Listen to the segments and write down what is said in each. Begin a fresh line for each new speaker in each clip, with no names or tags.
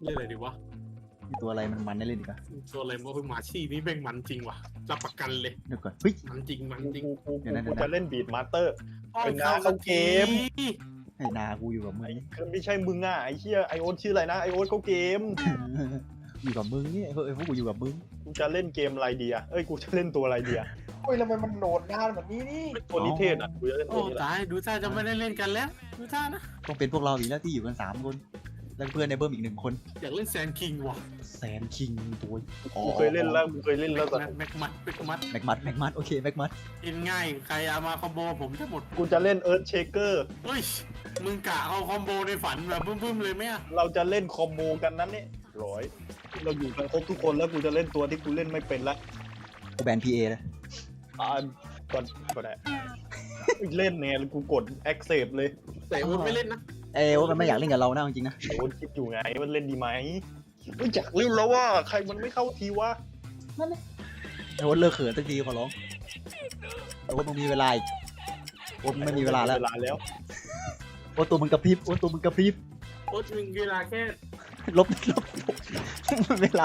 เล่นอะไรดีวะ
มีตัวอะไรมันได้เล่นอีกอะ
ตัวอะไรวะหมาชี่นี่แม่งมันจริงว่ะรับประกันเลย
เดี๋ยวก่อนเฮ้ย
มันจริงมันจริง
กูจะเล่นบีดมาสเตอร์ เป็นหน้า
เข้า
เข้าเกม
ไอ้นากูอยู่กับมึง
ไม่ใช่มึงอ่ะไอ้เหี้ยไอโอ๊ตชื่ออะไรนะไอโอ๊ตเขาเกม
อยู่กับมึงนี่ไอ้พวกกูอยู่กับมึง
กูจะเล่นเกมอะไรดีอ่ะเอ้ยกูจะเล่นตัวอะไรดีอ่ะ
โอ้ยทำไมมันโหนดนานแบบนี้นี่
ตัวนิเทศอ่ะกูจะเล่น
โอ้
ตัวนี้แหละ
ตายดูท่าจะไม่ได้เล่นกันแล้วดูท่านะ
ต้องเป็นพวกเราอีกแล้วที่อยู่กัน3 คนแล้วเพื่อนในเบิ้มอีก1 คน
อยากเล่นแซนคิงว่ะ
แซนคิงตัว
กูเคยเล่นแล้วกูเคยเล่นแล้วแต่
แม็กมัด
แม็กมัดโอเคแม็กมัด
กินง่ายใครเอามาคอมโบผมจะหมด
กูจะเล่นเอิร์ธเชเกอร์
เฮ้ยมึงกะเอาคอมโบในฝันแบบบึ้มๆเลยไหมอะ
เราจะเล่นคอมโบกันนั้นนี่ร้อยเราอยู่กันครบทุกคนแล้วกูจะเล่นตัวที่กูเล่นไม่เป็นละ
กูแบนพีเอเลย
ก็ได้เล่นเนี่ยกูกด accept เลย
แต่ว่าไม่เล่นนะ
ว่ามันไม่อยากเล่นกับเรานะจริงๆนะ
ไอโอ๊ตคิดอยู่ไงมันเล่นดีไหมไม่อยากเล่นแล้วว่าใครมันไม่เข้าทีวะ
ไอ้ว่าเลิกเขินสักทีขอร้องไอ้ว่ามึงมีเวลาอีกว่ามึงไม่มีเวลาแล้ว
เวลาแล้ว
ว่าตัวมึงกระพริบว่าตัวมึงกระพริบ
โอ้ยมึงเวลาแค่
ลบเวลา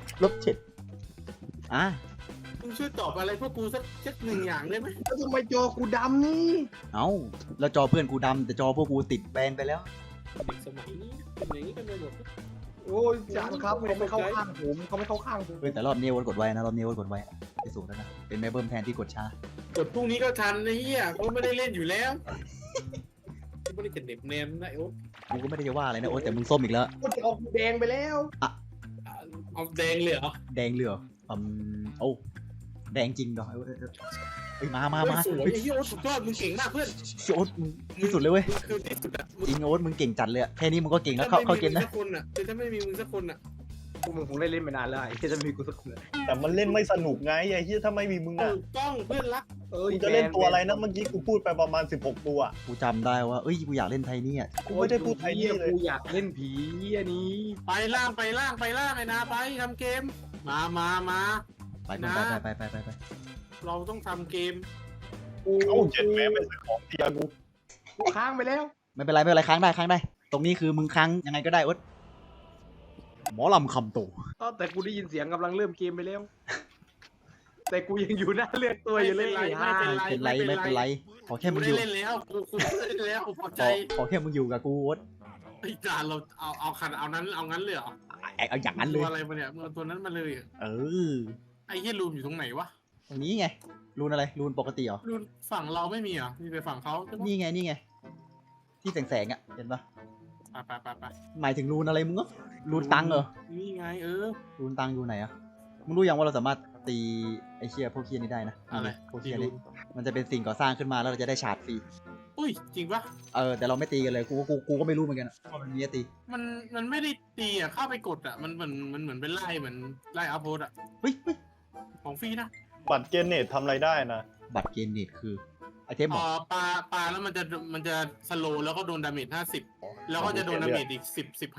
-7
มึงช่วยตอบอะไรพวกกูสักหนึ่งอย่างได้ไหม
แล้วทำไมจอกูดำนี่
เอ้าแล้วจอเพื่อนกูดำแต่จอพวกกูติดแบนไปแล้ว
เด็กสมัยนี้เป็นอย่างนี้กันไปหมด
โอ้ยจานครับเขาไม่เข้าข้างผมเขาไม่เข้าข้างผม
เฮ้ยแต่รอบนี้วัดกดไว้นะรอบนี้วัดกดไว้ไปสูงแล้วนะเป็นแม่เบิ้มแทนที่กดช้าก
ดพรุ่งนี้ก็ทันนะเฮียก็ไม่ได้เล่นอยู่แล้วไม่ได้จะเด็บแนมนะโอ๊ต
กูก็ไม่ได้จะว่าอะไรนะโอ๊ตแต่มึงส้มอีกแล้ว
ก็จะออกแดงไปแล้ว
เอาแดงเลยเหรอ
แดงเหลือโอ้แดงจริงดอกเฮ้ยมา
สวย
เฮ้ย
ไอ้เฮียโอ๊ตสุดยอดมึงเก่งมากเพื่อน
โอ๊ตมึงที่สุดเลยเว้ย
คือที่สุดอะ
จริงโอ๊ตมึงเก่งจัดเลยอะแค่นี้มึงก็เก่งแล้วเข้าเกมนะ
ถ้าไม่มีมึงสักคนอะ
พวกมึงคงได้เล่นไปนานแล้วไอ้ที่จะมีกูสักคน
แต่มันเล่นไม่สนุกไงไอ้เหี้ยถ้าไม่มีมึงอ่ะ
ถูกต้องเพื่อนรัก
กูจะเล่นตัวอะไรนะเมื่อกี้กูพูดไปประมาณ16ตัว
กูจำได้ว่าเอ้ยกูอยากเล่นไทนี่อ่ะ
กูไม่ได้พูดไทยนี่เลย
กูอยากเล่นผีอันนี้
ไปล่างไอ้นาไปทำเกมมา
ไป
นะ
ไป
เราต้องทำเกม
เอ้าเจ็ดแม่ไม่ซื้อของเทียกู
กูค้างไปแล้ว
ไม่เป็นไรค้างได้ ตรงนี้คือมึงค้างยังไงก็ได้โอ๊ตหมอลำคำโต
แต่กูได้ยินเสียงกำลังเริ่มเกมไปแล้ว แต่กูยังอยู่หน้าเลือกตัวอยู่เลย
ไม่เป็นไร
ไม่เป็นไรขอแค่มึงอ
ได้
ยู่
เล่นแล้วกูได้เล่นแล้วพอใจ
ขอแค่มึงอยู่กับกูโอ๊ต
ไอ้จานเราเอาขันเอางั้นเลยเหรอ
เอาอย่างนั้นเล
ตัวย อะไรมาเนี่ยมึงเอาตัวนั้นมาเลย
เออ
ไอ้เฮียรูมอยู่ตรงไหนวะ
ตรงนี้ไงรูนอะไรรูนปกติเหรอ
รูมฝั่งเราไม่มีเหรอมีแต่ฝั่งเขาใช่ปะ
นี่ไงที่แสงอ่ะเห็นปะ
ไป
หมายถึงรูนอะไรมึงอะรูนตังเหรอ
นี่ไง
รูนตังอยู่ไหนอะมึงรู้ยังว่าเราสามารถตีไอเชียพวกเคียนี้ได้นะ
อะไร
พวกเคียนี้มันจะเป็นสิ่งก่อสร้างขึ้นมาแล้วเราจะได้ชาร์จฟรี
อุ้ยจริงปะ
แต่เราไม่ตีกันเลยกูก็ไม่รู้เหมือนกันว่ามันมีให้ตี
มันไม่ได้ตีอ่ะเข้าไปกดอ่ะมันเหมือนเป็นไล่เหมือนไล่อัพโพสอ่ะ
เฮ้ย
ของฟรีนะ
บัตรเกนเนตทำอะไรได้นะ
บัตรเกณฑ์เนตคือไอเทมหรอ
ปลาแล้วมันจะสโลแล้วก็โดนดาเมจ50แล้วก็จะโดนดาเมจอีก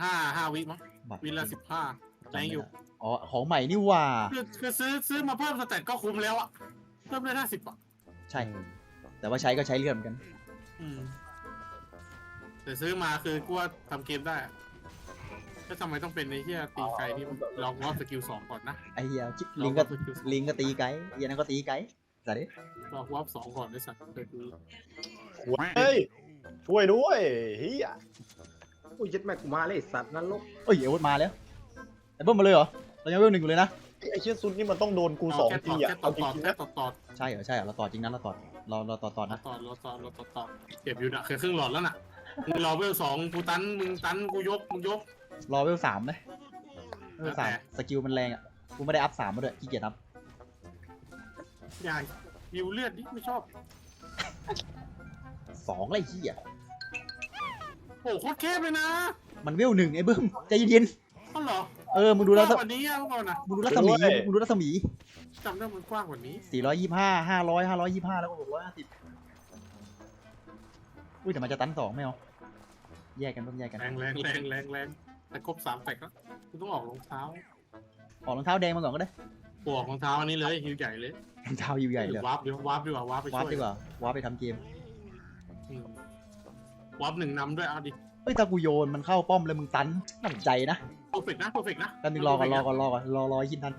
15วิมั้ง
บัตร
วิละ15แรงอยู่
อ๋อของใหม่นี่ว่า
คือซื้อมาเพิ่มสเตตก็คุ้มแล้วอ่ะเพิ่มได้50อ่ะ
ใช่ แต่ว่าใช้ก็ใช้เลื่อนเหมือนกัน
แต่ซื้อมาคือกูว่าทำเกมได้อะแล้วทำไมต้องเป็นในที่ตีไกลที่ลองว่าสกิล2ก่อนนะ
ไอเฮียลิงก็ตีไกด์เฮียนั่นก็ตีไกด์สัตว์ดิ
ลองว่า2ก่อนได้สักเกิดดู
เฮ้ยช่วยด้วยเฮีย
กูยึดแม่กูมาเลยสัตว์นรก
เอ้ยอาวุธมาแล้วไอเบิ้มมาเลยเหรอเรายังเวล1อยู่เลยนะ
ไอ้เชี่ยซุดนี่มันต้องโดนกู2ทีอ่ะ
แค่
เอาจ
ต่อ
ริงๆ
แค่
นะ
ต่อ
ใช่เหรอเราต่อจริงนะเราต่อนะ
ต่อเก็บอยู่นะเคยครึ่งหลอดแล้วน่ะมึงรอเวล2กูตันมึงกูยก
รอเวล3ไหมเวล3สกิลมันแรงอ่ะกูไม่ได้อัพ3มาด้วยขี้เกียจอัพ
อย่าวิวเลือดดิไม่ชอบ
2เลยขี้อ่ะ
โอ้โคตรแคบเลยนะ
มันเวล1ไอ้เบิ้มใจเย็น
ก็เหรอ
มึงดูแล้ว
กว้างกว่านี้อ่ะเมื่อก่อนนะ
มึงดูรัศมี
จำได้มันกว้างกว่านี้
425 500 525แล้วก็650อุ้ยแต่มันจะตัน2ไม่เอาแยกกันต้องแยกกัน
แรงแต่ครบ3แตกแล้วกูต้องออกรองเท้า
ออกรองเท้าแดงมาก่อนก็ได้
กูออกรองเท้าอันนี้เลยฮิวใหญ่เลย
รองเท้าอยู่ใหญ่เลย
วาร์ปดีกว่าวาร์ปไป
วาร์ป
ช่วย
ดีกว่าวาร์ปไปทำเกม
วาร์ป1นำด้วยเอาดิ
เฮ้ยถ้ากูโยนมันเข้าป้อมเลยมึงตันน่าสนใจนะ
โอ้อร์เฟกต์นะเพอร์เฟกต์นะ
แป๊บนึงรอยินทัน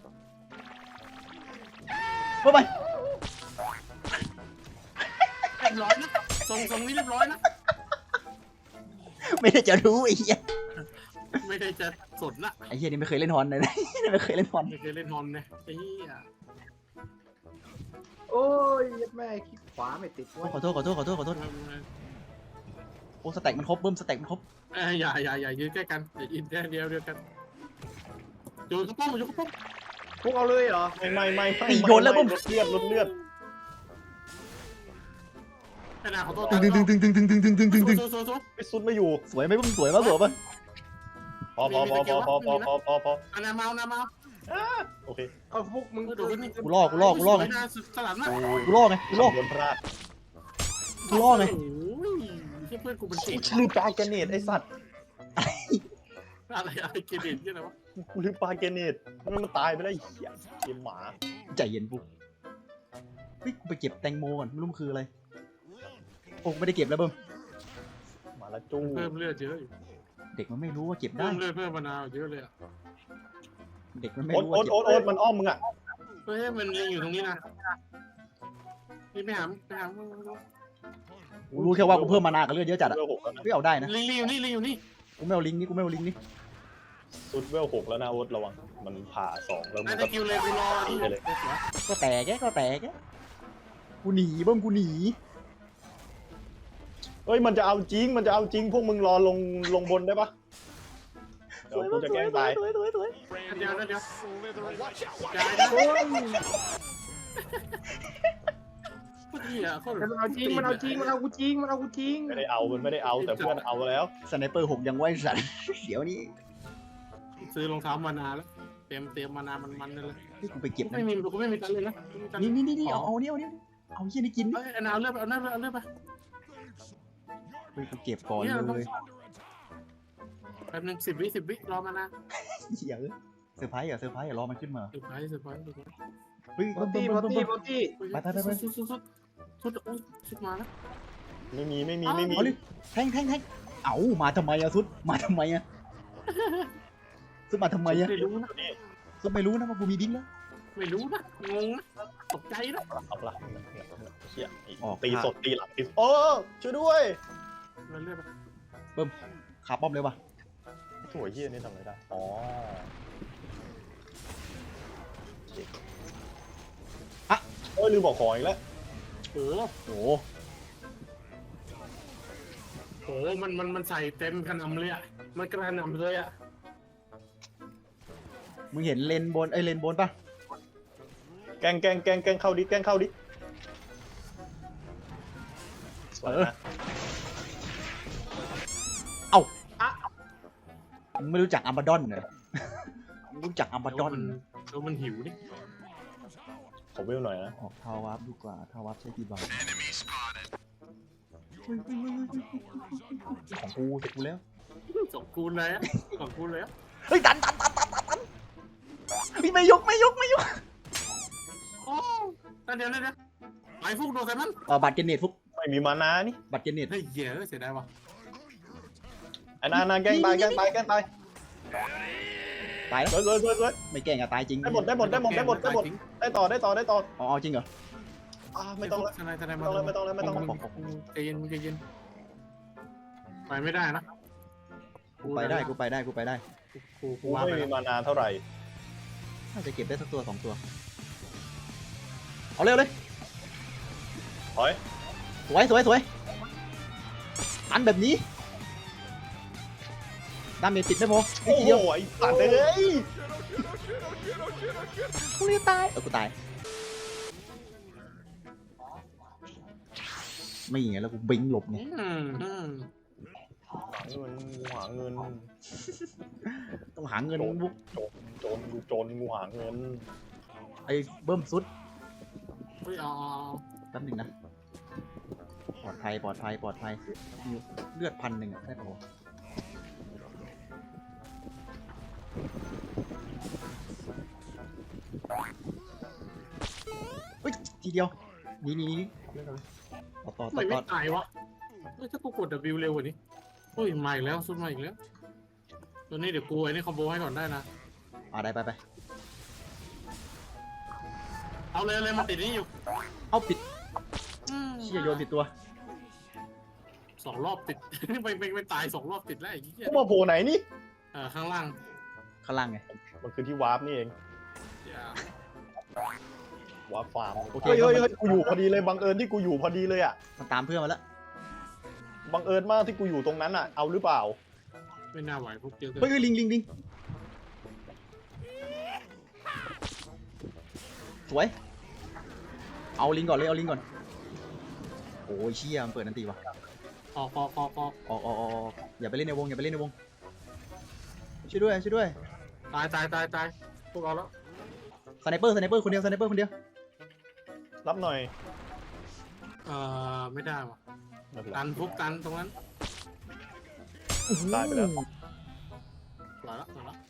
เมื่อไหร่
เรียบร้อยนะทรงนี้เรียบร้อยนะ
ไม่ได้จะรู้ไอ้เหี้ย
ไม่ได้จะสดนะ
ไอ้เหี้ยนี่ไม่เคยเล่นฮอนเลยนะ ไม่เคยเล่นฮอน
ไม่เคยเล่นฮอนเนี่ยไอ้เหี้ย
โอ้ยแม่คลิกขวาไม่ติดวะ
ขอโทษโอ้สแต็กมันครบเบิ้มสแต็กมันครบ
อย่ายืนใกล้กันอย่ายืนแค่เดียวกันโยนกระป๋องโยนกระป๋อง
พวกเอาเลยเหรอ
ไม่ลดเลือด
ขนาดขอโทษ
ตึง
ไอ้ซุดไม่อยู่
สวยไหมสวยป่ะสวยป่ะ
พอ
อานามา
โอเค
เอาพวกมึง
เดี๋ยวนี่
กูล่อไง
สลับนะ
กูล่อไง
โดนพลาด
กูล่อไง
โอ้ยเพื่อนกูเป็นเก่ง
ลืมปลาแกเนตไอ้สัตว์
อะไรเกเรนยังไงวะ
กูลืมปลาแกเนตมันตายไปแล้วเหี้ยเกมหมา
ใจเย็นปุ๊บเฮ้ยกูไปเก็บแตงโมก่อนไม่รู้มันคืออะไรโอ้ไม่ได้เก็บแล้วเบิ้ม
มาละจู้
เพิ่มเลือดเยอะอยู่
เด็กมันไม่รู้ว่าเก็บ
เพิ่
ได้
มเลือดเพิ่มมะนาวเยอะเลยอ่ะ
เด็กมันไม่
โอ๊ต
รู้
โอ๊
ว่า
ต
เก็บ
โอ๊ตมันอ้อมมึงอ่ะ
เฮ้ยมันยังอยู่ตรงนี้นะนี่ไปหา
กูรู้แค่ว่ากูเพิ่มมานากับเลือดเยอะจัดอะ
เวล6แล้วนะ
ไม่เอาได้นะ
ลิงอยู่นี่
กูไม่เอาลิงก์นี่
ซุดเวล6แล้วนะโอ๊ตระวังมันผ่า2แล้วมัน
น่า
ก็
จะคิวเลยกูรอนี่
ก็แตกกูหนีเบิ้มกูหนี
เฮ้ยมันจะเอาจริงพวกมึงรอลงบนได้ปะเดี๋ยวกูจะแกล้งตาย
สวย
เดี๋ยวย้ายนะ พูดเหี้ยโคตร
มันเอาจริงมันเอากูจริง
ไม่ได้เอามันไม่ได้เอาแต่เพื่อนเอาแล้ว
สไนเปอร์6ยังไว้สัตว์ เดี๋ยวนี้
ซื้อรองเท้ามานาแล้วเตรียมมานามันนั่นเลย
ที่กูไปเก็บนะ
กูไม่มีตังเลยนะ
นี่เอาเหี้ยนี่กิน
เอ้ยเอาเลือดไป
เฮ้ยกูเก็บก่อนเลย
แป๊บนึง10 วิรอมานา
เหี้ยเซอร์ไพรส์รอมันขึ้นมา
สุดท้าย
เฮ้ย
บอตี้
ไป
สุดมาแล้ว
ไม่มี
เอาเลยแทงเอามาทำไมอะซุดมาทำไมอะซุดมาทำไมอะ
ไม่รู้นะ
ซุดไม่รู้นะว่ากูมีดิ้งแล้ว
ไม่รู้นะงงนะตกใจนะ
เอาละเชี่ยตีสดตีหลังตีโอ้ช่วยด้วย
เลือดไป
ขาป้อมเลยว่ะ
ถั่วเยี่ยนี่ทำอะไรได้อ๋อโอ้ยลืมบอกของอีกแล้ว
โอ้
โอ้
โหมันใส่เต็มกระหน่ำเลยอ่ะมันกระหน่ำเลยอ่ะ
มึงเห็นเลนบนปะ
แกงเข้าดิ
มึงไม่รู้จักอัมบาดอนเหรอมึงรู้จักอัมบาดอน
แล้วมันหิวดิ
ขอเวลหน่อยนะ
ออกทาวับดีกว่าทาวับใช้กี่บาทของกูเสร็จกูแล้ว
สองคูณเลยอ่ะสองคูณเลยอ่ะ
เฮ้ยตันไม่ยก
โอ้เดี๋ยวไอ้ฟุกโดนใส่มัน
บัตรเจเนตฟุก
ไม่มีมานานี่
บัตรเจเนต
เฮ้ยเหี้ยเสียดายว่ะ
ไอ้นาแกล้งตาย
ตายแล้ว
สวย
ไม่แกล้งอะตายจริง
ได้หมดได้ต่อ
อ๋อจริงเหรอ
ไม่ต้องแล้ว
ทนาย
ไม่ต้องแล้ว
ใจเย็นไปไม่ได้นะ
กูไปได้
กู
กู
ว่า
ไม่
ไป
มีมานาเท่าไหร่
น่าจะเก็บได้สักตัว2 ตัว เอาเร็วเลย
ถอย
สวยอันแบบนี้ดาเมจติดไม่พอ
โอ้โหไอ้สัตว์เลย
กูจะตายกูตายไม่ไงแล้วกูบิงหลบไง
หาเงิน
ต้องหาเงินบุก
โจรงูหาเงิน
ไอ้เบิ้มสุด
เฮ้ยอ๋อ
แป๊บนึงนะปลอดภัยเลือด1,000อะได้ปะวะเฮ้ยทีเดียวนี่ต่อ
ไม่ตายวะเฮ้ยถ้ากูกด W เร็วกว่านี้เฮ้ยมาอีกแล้วสุดมาอีกแล้วตัวนี้เดี๋ยวกูไอ้นี่คอมโบให้ก่อนได้นะ
ได้ไป
เอาเลยมันติดนี่อยู่
เอาปิดเชี่ยโยนผิดตัว
2 รอบติด ไปตาย2 รอบติดแล้วไอ้เหี้ย
กูมาโผล่ไหนนี่
ข้างล่าง
ข้างล่างไง
มันคือที่วาร์ปนี่เอง
อย่าว
าร์ปฟาร์ม
โอเค
เฮ้ยกูอยู่พอดีเลยบังเอิญที่กูอยู่พอดีเลยอ่ะ
มันตามเพื่อนมาแล้ว
บังเอิญมากที่กูอยู่ตรงนั้นอ่ะเอาหรือเปล่า
ไม่น่าไหวพวกเดียวกัน
เฮ้ยลิงสวยเอาลิงก่อนเลยเอาลิงก่อนโอ้ยเชี่ยมันเปิดนันตีวะ
ออก
ออกอย่าไปเล่นในวงช่วยด้วย
ตายพวกเราแล้ว
สไนเปอร์คนเดียว
รับหน่อย
ไม่ได้ว่ะ
ไม่เป็นไร
ตันตรงนั้น
ตายไปแล้ว
ปล่อยแล้ว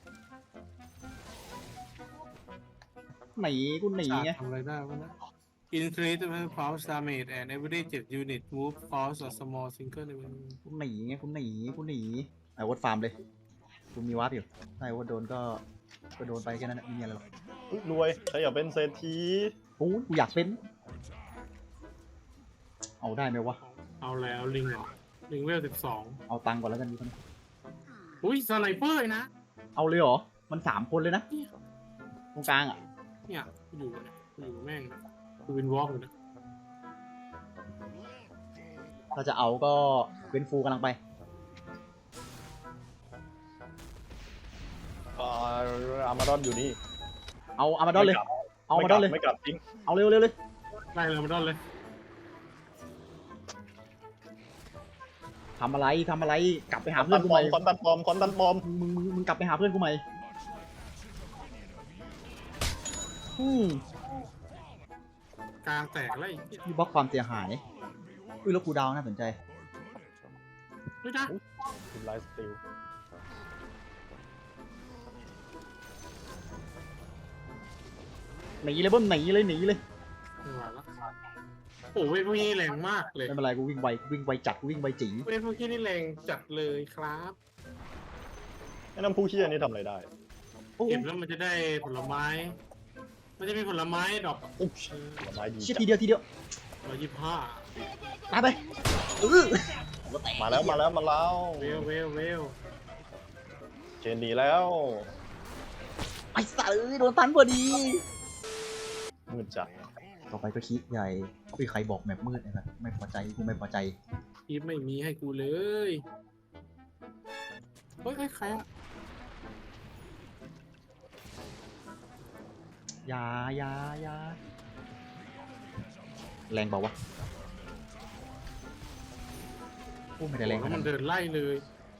หนีกูหนีไง
ทำอะไรได้วะนะ Increase the force damage and every 7 unit move force or small single event
กูหนีไอ้วอดฟาร์มเลยกูมีวาร์ปอยู่ถ้าไอ้วอดโดนก็โดนไปแค่นั้นไม่มีอะไรหรอก
อุ๊ยรวยใครอยากเป็นเศรษฐี
กูอยากเป็นเอาได้ไหมวะ
เอาแล้วลิงเหรอลิงเวล 12
เอาตังค์ก่อนแล้วกันดีกว่า
อุ้ยสไนเปอร์นะ
เอาเลยเหรอมัน3 คนเลยนะตรงกลางอ่ะ
เนี่ยกูอยู่แม่งกูวินวอล์กอยู่นะ
ถ้าจะเอาก็เป็นฟูกำลังไป
อามาดอนอยู่นี่
เอาอามาดอนเลยเอาอามาดอนเลย
ไม่กลับจริง
เอาเร็วเลย
ไล่เลยมาดอนเลย
ทำอะไรกลับไปหา
ค
เพื่
อ
อน
น
กู
ป
ให
ลอ
ม่
มคอนตันปลอมคอนตันปลอม
มึงกลับไปหาเพื่อนกูใหม่
กลางแตกแล้วไอ้เหี้ย
มีบล็อกความเสียหายอุ้ยแล้วกูดาวน่าสนใจ
ไม่ได้
ทีมไลฟ์สติล
หนีเลยเบิ้มหนีเลย
ไม่ไหวแล้วโอ้เว้ยพวกนี้แรงมากเลย
ไม่เป็นไรกูวิ่งไวจัดกูวิ่งไวจี๋
เว้ยพวกนี้นี่แรงจัดเลยครับ
ไอ้น้ำผู้เชี่ยนี่ทำอะไรได้
โอ้
เก็บแล้วมันจะได้ผลไม้ มันจะมีผลไม้ดอก
อุ๊บผลไม้ดี
เชี่ย
จั
ที
ด
เดียว
125
ตายไป
มาแล้ว
เวล
เชนหนีแล้ว
ไอ้สัตว์โดนตันพอดี
มืดจัด
ต่อไปก็คิดใหญ่อุ้ยใครบอกแมปมืดนะครับไม่พอใจกูไม่พอใจ
อีฟไม่มีให้กูเลยเฮ้ยใครอะ
ยาแรงเปล่าวะโอ้ไม่ได้แรงข
แล้ว
นา
มั
ด
น
นั้น
เดินไล่เลย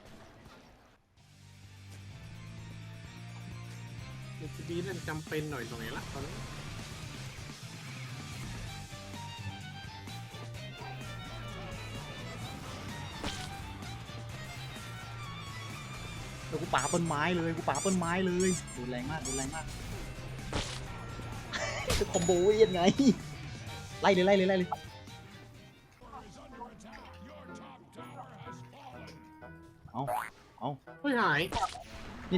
มันจะดีนั่นจำเป็นหน่อยตรงไหนละตอนนี้
แล้วกูป่าต้นไม้เลยดูแรงมากจะคอมโบยังไงไล่เลยเอา
เฮ้ยหาย
นี่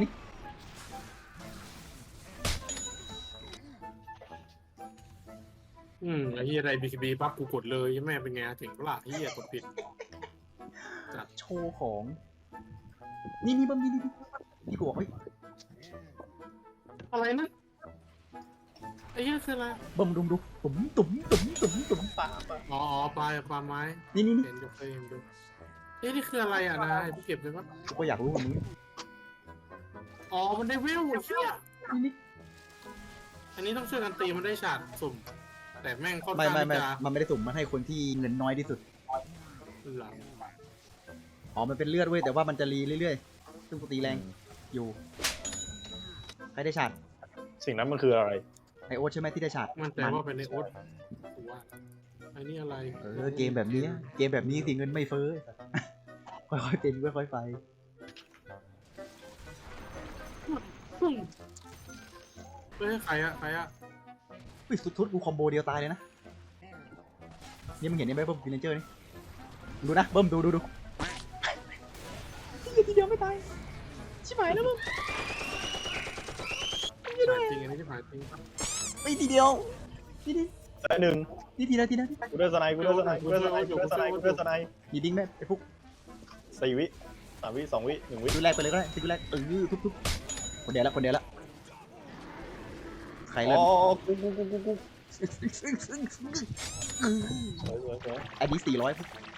ไอ้เฮียอะไร BKB ปั๊บกูกดเลยแม่เป็นไงถึงเปล่าเฮียกดผิด
โชว์ของนี่เบิ้มนี่กูบอกเฮ้ย
อะไรนะไอ้เฮียคืออะไร
เบิ้มดูตุ๋ม
ป่า
อ๋อปลาไม้
นี่
เห็นดูเคยเห็นดูเฮ้ยนี่คืออะไรอ่ะนายพี่เก็บเลยปะ
กูก็อยากรู้ว่ามึง
อ๋อมันได้เวลเฮีย
นี่
อันนี้ต้องช่วยกันตีมันได้ฉาดสุ่ม แต่แม่งค่อน
ไม่
ข้างที่จะ
มันไม่ได้สุ่มมันให้คนที่เงินน้อยที่สุด
หลัง
อ๋อมันเป็นเลือดเว้ยแต่ว่ามันจะรีเรื่อยๆซึ่งกูตีแรงอยู่ใครได้ฉาด
สิ่งนั้นมันคืออะไร
ไอโอ๊ตใช่ไหมที่ได้ฉาด
มันแต่ว่าเป็นในโอ๊ตกูว่าอันนี้อะไร
เกมแบบนี้สิเงินไม่เฟ้อค่อยๆเป็นค่อยๆไป
เฮ้ยใครอะ
อุ้ยสุดกูคอมโบเดียวตายเลยนะนี่มึงเห็นไหมเบิ้มฟินเจอร์นี่ดูนะเบิ้มดูทีเดียวไม่ตายชิบหายายแล้วมึง
ผ่านจริงอันนี้ที่ผ่านจริง
ไม่ทีเดียวนี่
สายหนึ่ง
ทีละ
กูได้สไนกูได้สไนกูได้สไนกูได้สไนกูได้สไน
มีดิ้งไหมไอ้พวก
4 วิ3 วิ 2 วิ 1 วิ
ดูแรกไปเลยก็ได้ดูแรกทุบคนเดียวละใคร
อ๋
เล่
อน กูสวย
อันนี้400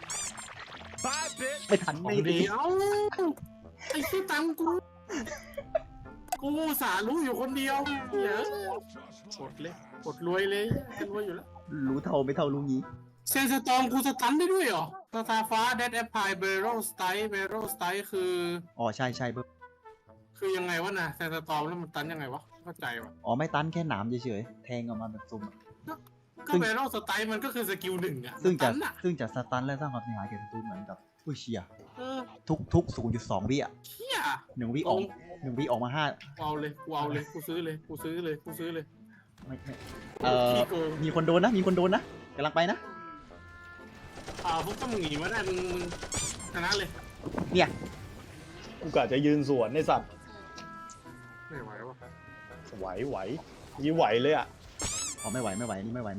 ไม่ทัน
ของ
ไม่
ดี
ดี
เอ้าไอ้ที่ตังกูอุตสาห์รู้อยู่คนเดียวเยอะกดเลยกดรวยเลยจะรวยอยู่แล้ว
รู้เท่าไม่เท่ารู้งี้
เซนสตอมกูสตันได้ด้วยเหรอสตาร์ฟ้าเดดแอปพายเบโรสไตคือ
อ๋อใช่เบิร์
คือยังไงวะนะเซนสตอมแล้วมันตันยังไงวะเข้าใจวะ
อ๋อไม่ตันแค่หนามเฉยๆแทงออกมาแบบซุ่ม
ก็เบโรสไตมันก็คือสกิลหนึ่งอะ
ซึ่งจะ
ตันอะ
สตันและสร้างความเสียหายแก่ศัตรูเหมือนกับอุ้ยเชีย
เออ
ทุก 0.2 วิอ่ะ
เฮีย
1 วิออก1 วิออกมา5
กูเอาเลยกูซื้อเลย
ไม่
ขี้โกง
มีคนโดนนะกำลังไปนะ
พวกถ้ามึงหนีมาได้มึงชนะเลย
เนี่ย
กูกะจะยืนสวนในสัตว์
ไม่ไหววะ
ไหวยี่ไหวเลยอ่ะ
อ๋อไม่ไหวนี่ไม่ไหว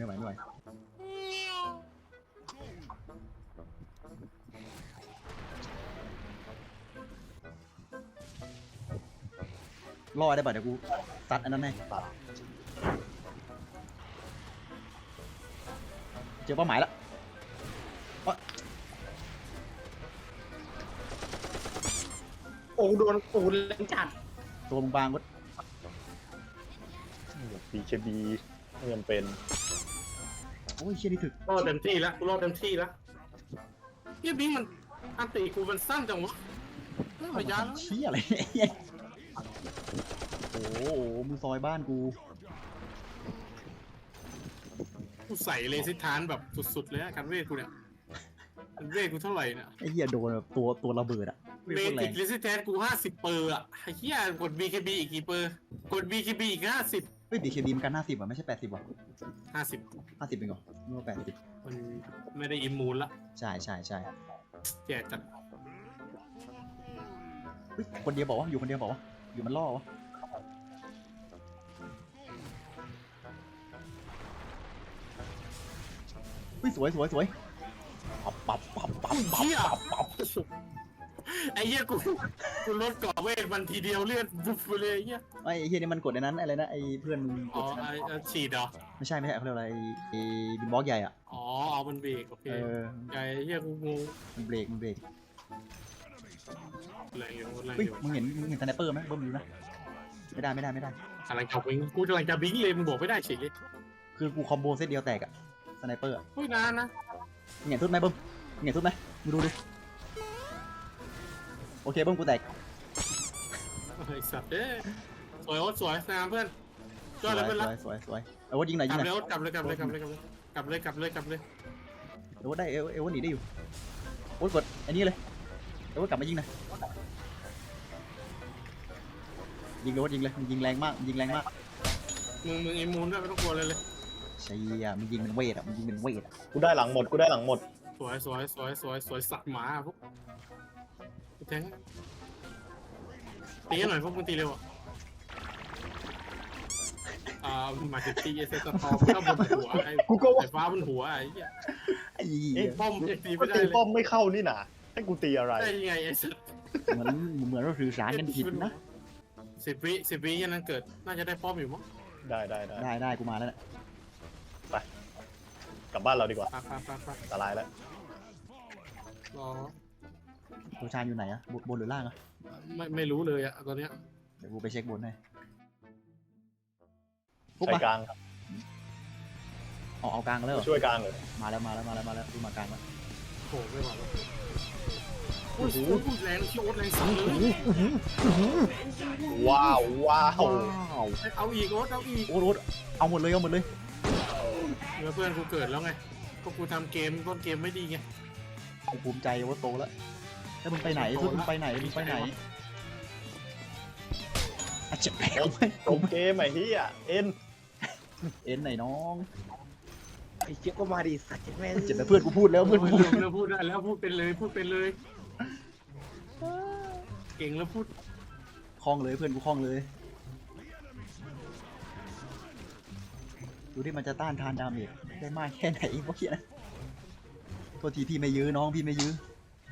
รอได้ป่ะเดี๋ยวกูตัดอันนั้นให้
ตัด
เจอเป้าหมายแล้ว
โอ้โดนปูนแรงจัด
ตัวมึงบางก็
BKB เงินเป็น
โอ้ยเชี่ยนี่ถึก
รอดเต็มที่แล้วเฮียบิงมันอันตีกูมันสั้นจังวะไม่พยายาม
เชี่ยอะไรเนี่ยโอ้โหมึงซอยบ้านกู
กูใส่เลสิทานแบบสุดๆเลยอะการเวทกูเนี่ยเวทกูเท่าไหร่เนี่ย
ไอ้เหี้ยโดนแบบตัวระเบิดอะ
เบสิกเลสิทานกู50 เปอร์อะไอ้เหี้ยกด BKB อีกกี่เปอร์กด BKB อีก50
เฮ้ย BKB มันกัน50อ่ะไม่ใช่80ว่ะ
50
50เป็นเหรอนึกว่า80
มันไม่ได้อิมมูนละ
ใช่
แย่จัด
เฮ้ยคนเดียวบอกว่าอยู่คนเดียวบอกว่าอยู่มันล่อวะเฮ้ยสวยปับ
เหี้ยไอ้เหี้ยกูลดเกาะเวทมันทีเดียวเลือดบุบไปเลยไอ้เหี้ย
ไอ้เฮียนี่มันกดในนั้นอะไรนะไอ้เพื่อนมึงก
อ๋อ
ดในนั้น
ไอ้ฉีดเหรอ
ไม่ใช่เขาเรียกอะไรไอ้บินบล็อกใหญ่อ่ะ
อ๋อเอามันเบรกโอเค
เออ
ไอ้เหี้ยกูงง
มันเบรก
อะไรอยู่อะไร
เฮ้ย
อยู่
มึงเห็นสไนเปอร์ไหมเบิ้มอยู่นะไม่ได้
กำลังจะบิงกูกำลังจะบิงเลยมึงบอกไม่ได้เฉยเลย คือ
กูคอมโบเซตเดียวแตกอะสไนเปอร์อะ
อุ้ยนานนะ
มึงเห็นทุบไหมเบิ้มมึงเห็นทุบไหมมึงดูดิโอเคเบิ้มกูแตก
ไอ้สัตว์เด้สวยโอ๊ตสวยงามเพื่อนยอดเลยเพื่อนรัก
สวยเอาว่ายิงหน่อย
ก
ยิ
ลั
ง
บ
หน่อย
เลยโอ๊ตกลับเลย
เอวได้เอวหนีได้อยู่โอ๊ตกดอันนี้เลยเอวกลับมายิงหน่อยยิงเลยโอ๊ตยิงเลยมันยิงแรงมาก
มึงอิมมูนด้วยไม่ต้องกลัวเลย
ใช่อ่ะมันยิงเป็นเวทอ่ะ
กูได้หลังหมด
สวยสัตว์หมาพวกแทงตีกันหน่อยพวกมึงตีเร็วหมายถึงตีเอเซตตอมก็บนหัวไอ้
กูก็ว่า
ไอ้ฟ้าบนหัวไอ้เหี้ย
ไอ้
เอ๊ะ
ป้อมยังตี
ก็
ไม่ได้
ตี
เลย
ป้อมไม่เข้านี่หนาให้กูตีอะไร
ได้ยังไงไอ้สัตว์
เหมือนเราสื่อสารกันผิดนะ
10 วิยันนั้นเกิดน่าจะได้ป้อมอยู่มั้ง
ได้
กูมาแล้วเนี่ย
กลับบ้านเราดีกว่า
ไป
อันตรายแล้ว
รอ
โรชานอยู่ไหนอะบนหรือล่างอะ
ไม่รู้เลยอะตอนเนี้ย
เดี๋ยวกูไปเช็คบนให้
ใช้กลาง
เอากลางแล้วเหรอ
ช่วยกลางเลย
มาแล้วดูมากลางแล้ว
โหไม่ไหวแล้วโอ้โหแรงโคตรแรงสัตว์เลย
ว้าว
เอาอีกโอ๊ตเอาอีก
โอ๊ตเอาหมดเลย
เพื่อนกูเกิดแล้วไงก็กูทำเกมต้นเกมไม่ดีไง
กูภูมิใจว่าโตแล้วแล้วมึงไปไหนมึงไปไหนอาจจะแพ้ไหม
จบเกมไอ้เหี้ยเอ็น
เอ็นไหนน้อง
ไอ้เจี๊ยบก็มาดิสัตว์แม่ง
เจ็บแต่เพื่อนกูพูดแล้วเพื่อนกูพูด
แล้วพูดได้แล้วพูดเป็นเลยเก่งแล้วพูด
คล่องเลยเพื่อนกูคล่องเลยดูที่มันจะต้านทานดาเมจได้มากแค่ไหนวะเฮียนะโทษทีพี่ไม่ยื้อน้องพี่ไม่ยื้อ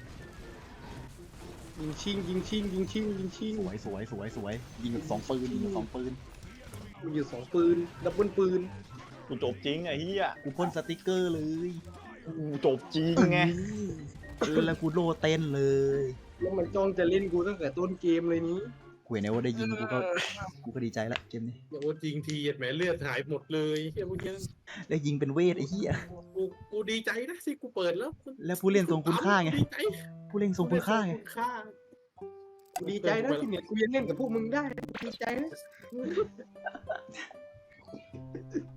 ยิงชิงยิงชิงยิงชิงยิงชิง
สวยสวยสวยสวยยิงแบบ2 ปืนยิงแบบ2 ปืน
มันอยู่2 ปืนดับเบิลปืน
กูจบจริงไอ้เหี้ย
กูพ่นสติกเกอร์เลย
กูจบจริงไง
แล้วกูโลเต้นเลย
แล้วมันจ้องจะเล่นกูตั้งแต่ต้นเกมเลยนี้
กูเห็นนะว่าได้ยิงกูก็ดีใจละเกมนี้
โอ้จริงทีแหมเลือดหายหมดเลยเฮียเมื่อกี้
ได้ยิงเป็นเวทไอ้เหี้ย
กูดีใจนะที่กูเปิดแล้ว
แล้วผู้เล่นทรงคุณค่าไง
ดีใจ
ผู้เล่นทรงคุณค่าไง
กูดีใจนะที่เนี่ยกูยังเล่นกับพวกมึงได้ดีใจนะ